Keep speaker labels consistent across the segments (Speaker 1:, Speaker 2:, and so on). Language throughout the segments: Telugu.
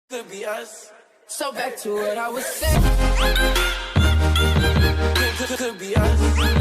Speaker 1: Could be us. So back to what I was saying. Could be us.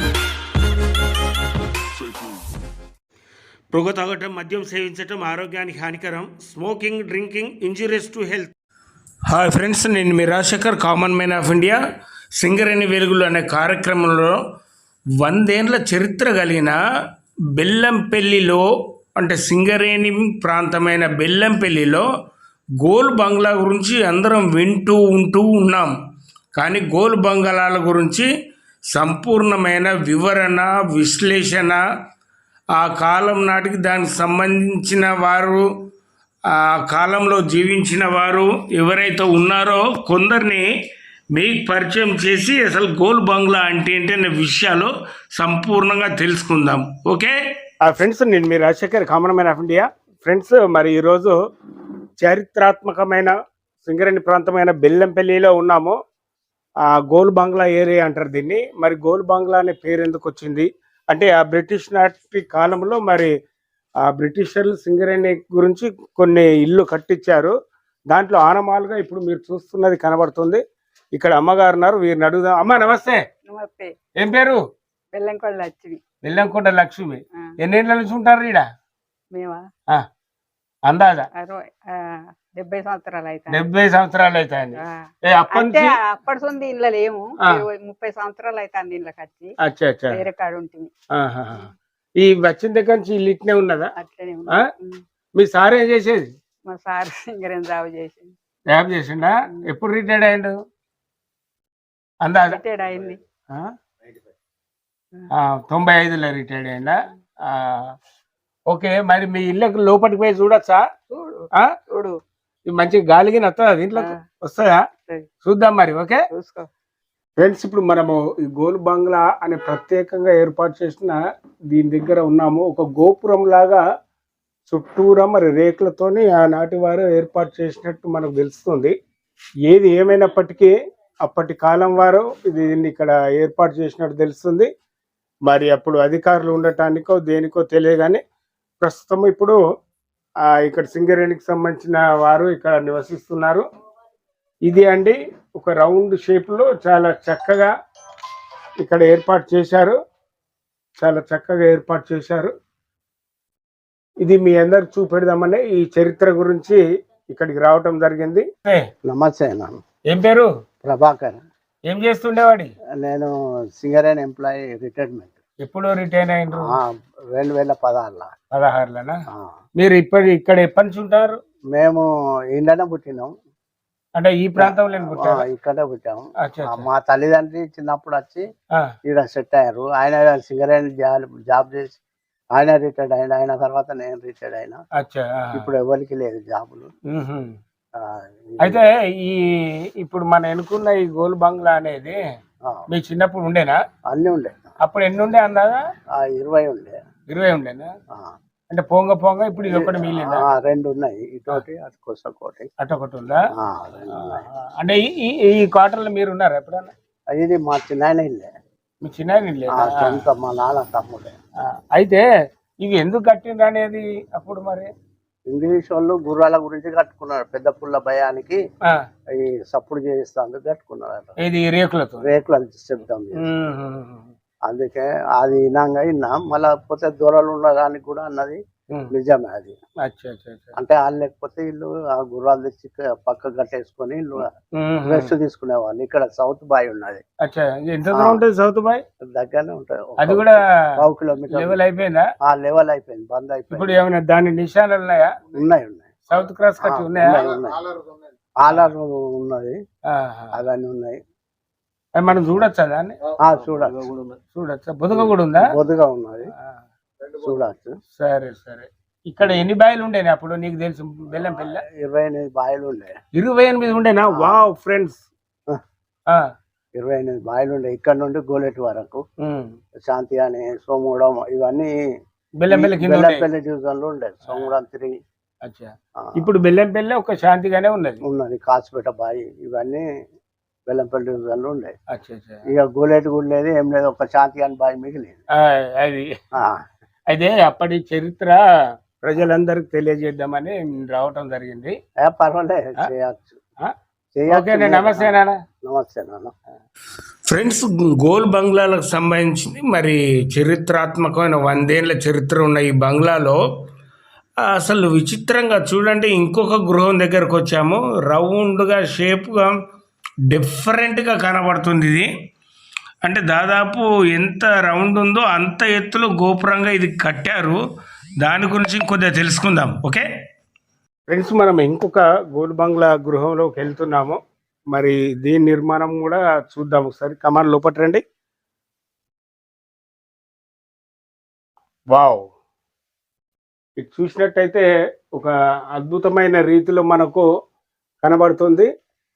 Speaker 2: పొగ తాగటం, మద్యం సేవించటం ఆరోగ్యానికి హానికరం. Smoking, drinking injurious to health. Hi friends, నేను మీ Rajasekhar, common man of India. Singareni వెలుగులు అనే కార్యక్రమంలో 100 ఏళ్ల చరిత్ర కలిగిన బెల్లంపల్లిలో, అంటే సింగరేణి ప్రాంతమైన బెల్లంపల్లిలో గోల్ బంగ్లా గురించి అందరం వింటూ ఉన్నాం. కానీ గోల్ బంగ్లాల గురించి సంపూర్ణమైన వివరణ, విశ్లేషణ, ఆ కాలం నాటికి దానికి సంబంధించిన వారు, ఆ కాలంలో జీవించిన వారు ఎవరైతే ఉన్నారో కొందరిని మీకు పరిచయం చేసి అసలు గోల్ బంగ్లా అంటే ఏంటి అనే విషయాలు సంపూర్ణంగా తెలుసుకుందాం. ఓకే ఫ్రెండ్స్, నేను మీ Rajasekhar, common man of India. Friends, మరి ఈరోజు చారిత్రాత్మకమైన సింగరేణి ప్రాంతమైన బెల్లంపల్లిలో ఉన్నాము. గోల్ బంగ్లా ఏరియా అంటారు దీన్ని. మరి గోల్ బంగ్లా అనే పేరు ఎందుకు వచ్చింది అంటే, ఆ బ్రిటిష్ నాటి కాలంలో మరి ఆ బ్రిటిషర్లు సింగరేణి గురించి కొన్ని ఇల్లు కట్టించారు. దాంట్లో ఆనమాలుగా ఇప్పుడు మీరు చూస్తున్నది కనబడుతుంది. ఇక్కడ అమ్మగారు ఉన్నారు, వీరిని అడుగుదాం. అమ్మ నమస్తే.
Speaker 3: నమస్తే.
Speaker 2: ఏం పేరు?
Speaker 3: బెల్లంకొండ లక్ష్మి.
Speaker 2: బెల్లంకొండ లక్ష్మి. ఎన్నేళ్ళ నుంచి ఉంటారు ఈడ?
Speaker 3: మేమా
Speaker 2: అందాజా
Speaker 3: 70 సంవత్సరాలు అయితే.
Speaker 2: 70 సంవత్సరాలు అవుతాయండి.
Speaker 3: అప్పటి సొంది ఇంట్లో లేము. 30 సంవత్సరాలు అవుతుంది ఇంట్లోకి వచ్చి. వేరే కాడ ఉంటుంది.
Speaker 2: ఈ వచ్చిన దగ్గర నుంచి ఇల్లు ఇట్నే ఉన్నదా?
Speaker 3: అట్లనే
Speaker 2: మీ సార్ ఏం చేసేది?
Speaker 3: మా సార్ సింగరేణి
Speaker 2: జాబ్ చేసిండా? ఎప్పుడు రిటైర్డ్ అయ్యిండు? అందాజా
Speaker 3: రిటైర్డ్ అయింది
Speaker 2: 95లో రిటైర్డ్ అయ్యిందా? ఓకే, మరి మీ ఇళ్ళకి లోపలికి పోయి చూడొచ్చా?
Speaker 3: చూడు,
Speaker 2: మంచి గాలికి వస్తుందా? దీంట్లో వస్తుందా? చూద్దాం మరి. ఓకే ఫ్రెండ్స్, ఇప్పుడు మనము ఈ గోల్ బంగ్లా అనే ప్రత్యేకంగా ఏర్పాటు చేసిన దీని దగ్గర ఉన్నాము. ఒక గోపురం లాగా చుట్టూరా మరి రేకులతోని ఆనాటి వారు ఏర్పాటు చేసినట్టు మనకు తెలుస్తుంది. ఏది ఏమైనప్పటికీ అప్పటి కాలం వారు దీన్ని ఇక్కడ ఏర్పాటు చేసినట్టు తెలుస్తుంది. మరి అప్పుడు అధికారులు ఉండటానికో దేనికో తెలియగానే ప్రస్తుతం ఇప్పుడు ఇక్కడ సింగరేణికి సంబంధించిన వారు ఇక్కడ నివసిస్తున్నారు. ఇది అండి ఒక రౌండ్ షేప్లో చాలా చక్కగా ఇక్కడ ఏర్పాటు చేశారు. చాలా చక్కగా ఏర్పాటు చేశారు. ఇది మీ అందరికి చూపెడదామని ఈ చరిత్ర గురించి ఇక్కడికి రావటం జరిగింది.
Speaker 4: నమస్తే.
Speaker 2: ఏం పేరు?
Speaker 4: ప్రభాకర్.
Speaker 2: ఏం చేస్తుండేవాడి?
Speaker 4: నేను సింగరేణి ఎంప్లాయీ, రిటైర్మెంట్.
Speaker 2: ఎప్పుడు రిటైర్ అయ్యిండ్రు?
Speaker 4: 2016.
Speaker 2: మీరు ఇక్కడ ఎప్పటి నుంచి ఉంటారు?
Speaker 4: మేము ఇండనే పుట్టినాం.
Speaker 2: అంటే ఈ ప్రాంతంలో
Speaker 4: ఇక్కడే పుట్టాము. మా తల్లిదండ్రి చిన్నప్పుడు వచ్చి ఇక్కడ సెట్ అయ్యారు. ఆయన సింగరేణి జాబ్ చేసి ఆయన రిటైర్డ్ అయిన. ఆయన తర్వాత నేను రిటైర్డ్ అయినా. ఇప్పుడు ఎవరికి లేదు జాబులు.
Speaker 2: అయితే ఇప్పుడు మన ఎన్నుకున్న ఈ గోల్ బంగ్లా అనేది మీ చిన్నప్పుడు ఉండేనా?
Speaker 4: అన్ని ఉండే.
Speaker 2: అప్పుడు ఎన్ని ఉండే అందాగా?
Speaker 4: 20 ఉండే.
Speaker 2: 20 ఉండేనా? అంటే పొంగ ఇప్పుడు ఇది ఒకటి మిగిలిందా?
Speaker 4: 2 ఉన్నాయి. ఇటోటి అటుకోటి.
Speaker 2: అటొకటి ఉందా? అంటే ఈ క్వార్టర్లో మీరు ఉన్నారా ఎప్పుడన్నా?
Speaker 4: ఇది మా చిన్న ఇల్లే.
Speaker 2: మీ చిన్న ఇల్లే?
Speaker 4: సొంత మా నాన్న తమ్ముడే.
Speaker 2: అయితే ఇవి ఎందుకు కట్టిండ్రు అనేది అప్పుడు మరి
Speaker 4: ఇంగ్లీష్ వాళ్ళు గుర్రాల గురించి కట్టుకున్నారు. పెద్ద పుల్ల భయానికి ఈ సప్పుడు చేయిస్తా కట్టుకున్నారు.
Speaker 2: ఇది రేకులతో?
Speaker 4: రేకుల శబ్దం. అందుకే అది విన్నా. మళ్ళా పోతే దూరాలు ఉన్నదానికి కూడా అన్నది నిజమే. అది అంటే వాళ్ళు లేకపోతే వీళ్ళు ఆ గుర్రాలు తెచ్చి పక్క కట్టేసుకొని ఇల్లు రెస్ట్ తీసుకునే వాళ్ళు. ఇక్కడ సౌత్ బాయ్ ఉన్నది.
Speaker 2: సౌత్ బాయ్
Speaker 4: దగ్గరనే ఉంటది.
Speaker 2: అది కూడా
Speaker 4: 1 కిలోమీటర్.
Speaker 2: లెవెల్ అయిపోయిందా?
Speaker 4: లెవెల్ అయిపోయింది, బంద్ అయిపోయింది.
Speaker 2: ఇప్పుడు ఏమైనా దాని నిశానాలు ఉన్నాయా?
Speaker 4: ఉన్నాయి.
Speaker 2: సౌత్ క్రాస్ కట్టి ఉన్నాయా?
Speaker 4: ఆలర్ ఉన్నది, అవన్నీ ఉన్నాయి.
Speaker 2: మనం చూడొచ్చా దాన్ని? చూడొచ్చా? బొదుగ కూడా ఉందా?
Speaker 4: బొదుగ ఉన్నది, చూడచ్చు.
Speaker 2: సరే. ఇక్కడ ఎన్ని బాయిలు ఉండేనా అప్పుడు నీకు తెలుసు? బెల్లంపల్లి
Speaker 4: 28 బాయిలు ఉండే.
Speaker 2: 28 ఉండేనా? వావ్ ఫ్రెండ్స్,
Speaker 4: 28 బాయిలు ఉండే. ఇక్కడ నుండి గోలెట్ వరకు శాంతి అని, సోమగూడెం, ఇవన్నీ బెల్లంపల్లి డివిజన్ లో ఉండే. సోమగూడెం తిరిగి
Speaker 2: ఇప్పుడు బెల్లంపల్లి ఒక శాంతిగానే ఉన్నది.
Speaker 4: కాసిపేట బాయి ఇవన్నీ బెల్లంపల్లి డివిజన్ లో ఉండే. ఇక గోలెట్ కూడా లేదు, ఏం లేదు. ఒక శాంతి అని బాయి మిగిలింది.
Speaker 2: అది అయితే అప్పటి చరిత్ర ప్రజలందరికి తెలియజేద్దామని రావటం జరిగింది.
Speaker 4: పర్వాలేదు, చేయొచ్చు.
Speaker 2: ఓకే, నమస్తే నాన్న.
Speaker 4: నమస్తే నాన్న.
Speaker 2: ఫ్రెండ్స్, గోల్ బంగ్లాలకు సంబంధించింది మరి చరిత్రాత్మకమైన 100 ఏళ్ల చరిత్ర ఉన్న ఈ బంగ్లాలో అసలు విచిత్రంగా చూడండి, ఇంకొక గృహం దగ్గరకు వచ్చాము. రౌండ్గా షేప్గా డిఫరెంట్గా కనబడుతుంది. ఇది అంటే దాదాపు ఎంత రౌండ్ ఉందో అంత ఎత్తులో గోపురంగా ఇది కట్టారు. దాని గురించి కొద్దిగా తెలుసుకుందాం. ఓకే ఫ్రెండ్స్, మనం ఇంకొక గోల్ బంగ్లా గృహంలోకి వెళ్తున్నాము. మరి దీని నిర్మాణం కూడా చూద్దాం ఒకసారి. కమాన్, లోపట రండి. వావ్, ఇది చూసినట్టయితే ఒక అద్భుతమైన రీతిలో మనకు కనబడుతుంది.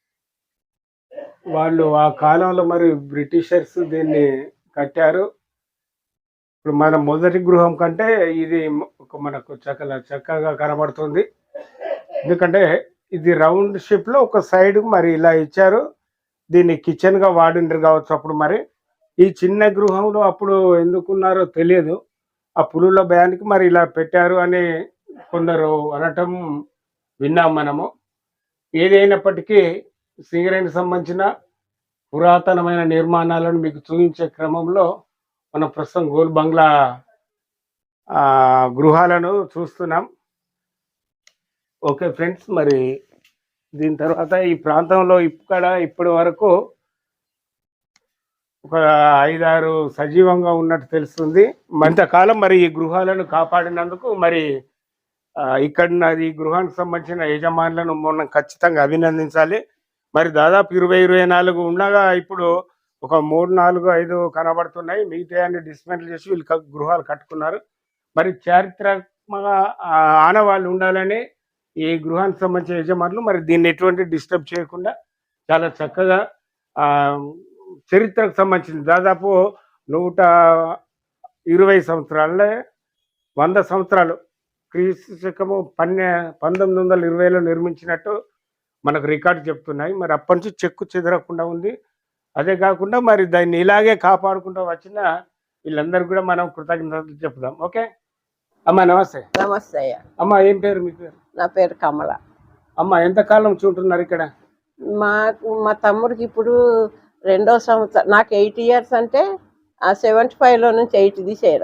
Speaker 2: వాళ్ళు ఆ కాలంలో మరి బ్రిటిషర్స్ దీన్ని కట్టారు. ఇప్పుడు మన మొదటి గృహం కంటే ఇది మనకు చక్కగా కనబడుతుంది. ఎందుకంటే ఇది రౌండ్ షేప్లో ఒక సైడ్ మరి ఇలా ఇచ్చారు. దీన్ని కిచెన్గా వాడిండ్రు కావచ్చు అప్పుడు. మరి ఈ చిన్న గృహంలో అప్పుడు ఎందుకున్నారో తెలియదు. ఆ పులుల భయానికి మరి ఇలా పెట్టారు అని కొందరు అనటం విన్నాం మనము. ఏదైనప్పటికీ సింగరేణికి సంబంధించిన పురాతనమైన నిర్మాణాలను మీకు చూపించే క్రమంలో మనం ప్రస్తుతం గోల్ బంగ్లా గృహాలను చూస్తున్నాం. ఓకే ఫ్రెండ్స్, మరి దీని తర్వాత ఈ ప్రాంతంలో ఇప్పటి వరకు ఒక 5-6 సజీవంగా ఉన్నట్టు తెలుస్తుంది. మరింతకాలం మరి ఈ గృహాలను కాపాడినందుకు మరి ఇక్కడ ఈ గృహానికి సంబంధించిన యజమానులను మనం ఖచ్చితంగా అభినందించాలి. మరి దాదాపు 20-24 ఉండగా ఇప్పుడు ఒక 3-4-5 కనబడుతున్నాయి. మిగతా అన్ని డిస్మెంటల్ చేసి వీళ్ళు గృహాలు కట్టుకున్నారు. మరి చారిత్రాత్మక ఆనవాళ్ళు ఉండాలని ఈ గృహానికి సంబంధించిన యజమానులు మరి దీన్ని ఎటువంటి డిస్టర్బ్ చేయకుండా చాలా చక్కగా చరిత్రకు సంబంధించింది దాదాపు 120 సంవత్సరాలే 100 సంవత్సరాలు క్రీస్తు శకము 1920లో నిర్మించినట్టు మనకు రికార్డు చెప్తున్నాయి. మరి అప్పటి నుంచి చెక్కు చెదరకుండా ఉంది. అదే కాకుండా మరి దాన్ని ఇలాగే కాపాడుకుంటూ వచ్చిన వీళ్ళందరూ కూడా మనం కృతజ్ఞతలు చెప్దాం. ఓకే అమ్మ, నమస్తే.
Speaker 3: నమస్తే అయ్యా.
Speaker 2: అమ్మ, ఏం పేరు మీ పేరు?
Speaker 3: నా పేరు కమల.
Speaker 2: అమ్మ, ఎంతకాలం చూంటున్నారు ఇక్కడ?
Speaker 3: మా తమ్ముడికి ఇప్పుడు 2వ సంవత్సరం. నాకు 8 years అంటే ఆ 75లో నుంచి 8 తీసేయరా.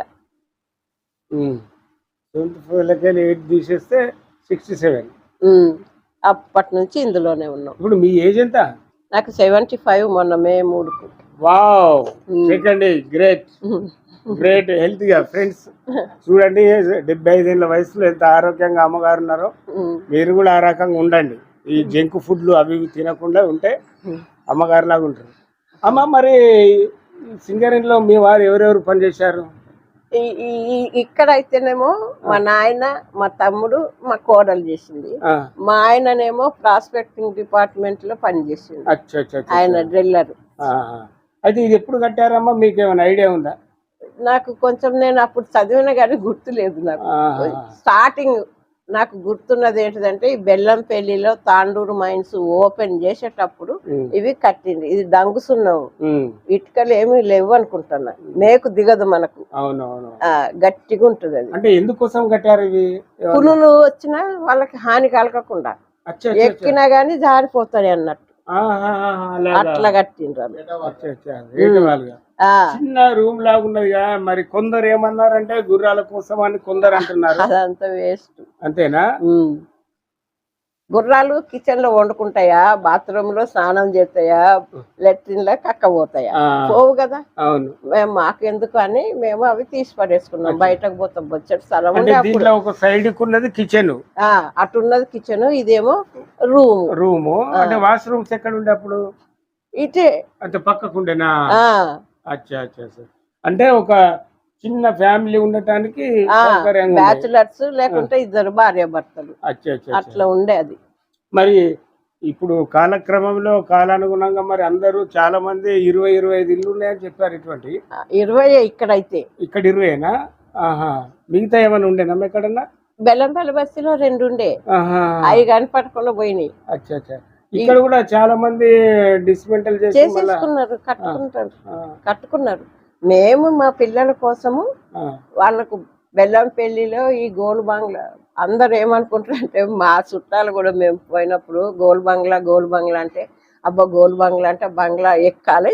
Speaker 2: 75 8 తీసేస్తే 67.
Speaker 3: అప్పటి నుంచి ఇందులోనే ఉన్నాం.
Speaker 2: ఇప్పుడు మీ ఏజ్ ఎంత?
Speaker 3: నాకు 75 మొన్న మే 3కు.
Speaker 2: వావ్, సెకండ్ గ్రేట్ గ్రేట్ హెల్తీగా. ఫ్రెండ్స్ చూడండి, 75 ఏళ్ళ వయసులో ఎంత ఆరోగ్యంగా అమ్మగారు ఉన్నారో మీరు కూడా ఆ రకంగా ఉండండి. ఈ జంక్ ఫుడ్లు అవి తినకుండా ఉంటే అమ్మగారు లాగా ఉంటారు. అమ్మ, మరి సింగరేణిలో మీ వారు ఎవరెవరు పనిచేశారు?
Speaker 3: ఇక్కడైతేనేమో మా నాయన, మా తమ్ముడు, మా కోడలు చేసింది. మా ఆయననేమో ప్రాస్పెక్టింగ్ డిపార్ట్మెంట్ లో పనిచేసింది. ఆయన డ్రిల్లర్.
Speaker 2: అయితే ఇది ఎప్పుడు కట్టారమ్మా, మీకు ఏమైనా ఐడియా ఉందా?
Speaker 3: నాకు కొంచెం, నేను అప్పుడు చదివిన కానీ గుర్తులేదు. నాకు స్టార్టింగ్ నాకు గుర్తున్నది ఏంటిదంటే, ఈ బెల్లంపల్లిలో తాండూరు మైన్స్ ఓపెన్ చేసేటప్పుడు ఇవి కట్టింది. ఇది డంగుసున్నాం, ఇటుకలు ఏమి లేవు అనుకుంటున్నా. మేకు దిగదు మనకు, గట్టిగా ఉంటుంది. అది
Speaker 2: అంటే ఎందుకోసం కట్టారు ఇవి?
Speaker 3: పులులు వచ్చినా వాళ్ళకి హాని కలగకుండా, ఎక్కినా గానీ జారిపోతాయి అన్నట్టు అట్లా కట్టిండ్రు.
Speaker 2: చిన్న రూమ్ లాగా ఉన్నది. మరి కొందరు ఏమన్నారంటే గుర్రాల కోసం అని కొందరు అంటున్నారు.
Speaker 3: అదంతా వేస్ట్.
Speaker 2: అంతేనా?
Speaker 3: గుర్రాలు కిచెన్ లో వండుకుంటాయా, బాత్రూమ్ లో స్నానం చేస్తాయా, లెట్రిన్ లో కక్కపోతాయా? పోవు కదా.
Speaker 2: అవును.
Speaker 3: మేము మాకెందుకు అని మేము అవి తీసి పడేసుకున్నాం. బయటకు పోతాం, బొచ్చటి స్థలం.
Speaker 2: ఒక సైడ్ ఉన్నది కిచెన్,
Speaker 3: అటున్నది కిచెన్, ఇదేమో
Speaker 2: రూమ్. అంటే వాష్రూమ్స్ ఎక్కడ ఉండే అప్పుడు?
Speaker 3: ఇటే
Speaker 2: అంటే పక్కకుండేనా? అచ్చా అచ్చా. అంటే ఒక చిన్న ఫ్యామిలీ ఉండటానికి
Speaker 3: బ్యాచులర్స్ లేకుంటే 2 భార్యాభర్తలు అట్లా ఉండే అది.
Speaker 2: మరి ఇప్పుడు కాలక్రమంలో కాలానుగుణంగా మరి అందరూ చాలా మంది 20-25 ఇల్లు ఉన్నాయని చెప్పారు. ఇటువంటి
Speaker 3: 20 ఇక్కడైతే.
Speaker 2: ఇక్కడ 20ఏనా? మిగతా ఏమైనా ఉండేనా ఎక్కడన్నా?
Speaker 3: బెల్లంపల్లి బస్తీలో 2 ఉండే, అవి కానీ పట్టుకుండా పోయినాయి.
Speaker 2: అచ్చా అచ్చా. ఇక్కడ కూడా చాలా మంది డిస్మెంటల్
Speaker 3: చేసేసుకున్నారు, కట్టుకున్నారు. మేము మా పిల్లల కోసము వాళ్ళకు బెల్లంపల్లిలో ఈ గోల్ బంగ్లా అందరు ఏమనుకుంటారంటే మా చుట్టాలు కూడా మేము పోయినప్పుడు గోల్ బంగ్లా అంటే అబ్బా గోల్ బంగ్లా అంటే బంగ్లా ఎక్కాలి.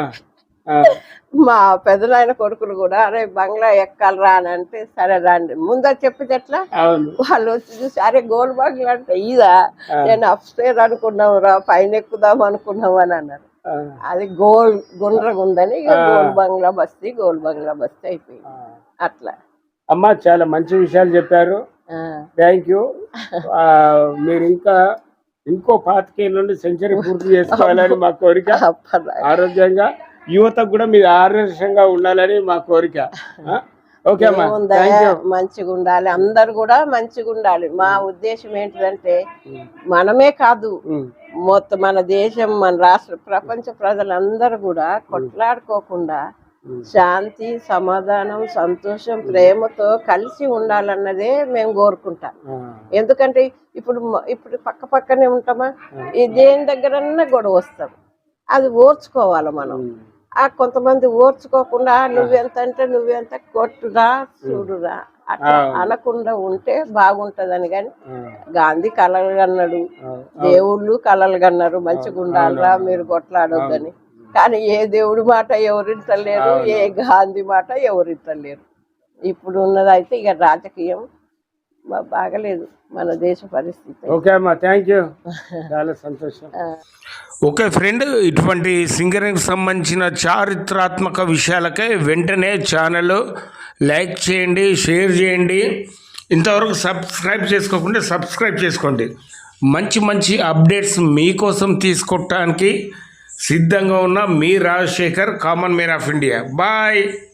Speaker 3: మా పెద్దనాయన కొడుకులు కూడా అరే బంగ్లా ఎక్కాలి రా అని అంటే సరే రండి ముందర చెప్పితే ఎట్లా వాళ్ళు వచ్చి చూసి అరే గోల్ బంగ్లా అంటే ఇదా నేను అప్స్టేర్ అనుకున్నాం రా పైన ఎక్కుదాం అనుకున్నాం అని అన్నారు. అది గుండ్రగుందని గోల్ బంగ్లా బస్తీ అయిపోయింది అట్లా.
Speaker 2: అమ్మ చాలా మంచి విషయాలు చెప్పారు, థ్యాంక్ యూ. మీరు ఇంకో 25 నుండి సెంచరీ పూర్తి చేసుకోవాలని మా కోరిక. ఆరోగ్యంగా యువతకు కూడా మీరు ఆదర్శంగా ఉండాలని మా కోరిక. ఓకే అమ్మా,
Speaker 3: మంచిగా ఉండాలి, అందరు కూడా మంచిగా ఉండాలి. మా ఉద్దేశం ఏంటిదంటే మనమే కాదు మొత్తం మన దేశం మన రాష్ట్ర ప్రపంచ ప్రజలందరూ కూడా కొట్లాడుకోకుండా శాంతి సమాధానం సంతోషం ప్రేమతో కలిసి ఉండాలన్నదే మేము కోరుకుంటాం. ఎందుకంటే ఇప్పుడు పక్కనే ఉంటామా, ఈ దేని దగ్గరన్నా గొడవ వస్తాం, అది ఓర్చుకోవాలి మనం. కొంతమంది ఓర్చుకోకుండా నువ్వెంత అంటే నువ్వెంత కొట్టురా చూడురా అట్లా అనకుండా ఉంటే బాగుంటదని. కానీ గాంధీ కలలు కన్నాడు, దేవుళ్ళు కలలు కన్నారు మంచిగా ఉండాలరా మీరు కొట్లాడొద్దని. కానీ ఏ దేవుడి మాట ఎవరింటలేరు, ఏ గాంధీ మాట ఎవరింటలేరు. ఇప్పుడు ఉన్నదైతే ఇక రాజకీయం బాగలేదు మన దేశ పరిస్థితి.
Speaker 2: ఓకే అమ్మా, థ్యాంక్ యూ, చాలా సంతోషం. ఓకే ఫ్రెండ్, ఇటువంటి సింగరింగ్కి సంబంధించిన చారిత్రాత్మక విషయాలకై వెంటనే ఛానల్ లైక్ చేయండి, షేర్ చేయండి. ఇంతవరకు సబ్స్క్రైబ్ చేసుకోకుండా సబ్స్క్రైబ్ చేసుకోండి. మంచి అప్డేట్స్ మీకోసం తీసుకోవటానికి సిద్ధంగా ఉన్న మీ Rajasekhar, common man of India. Bye.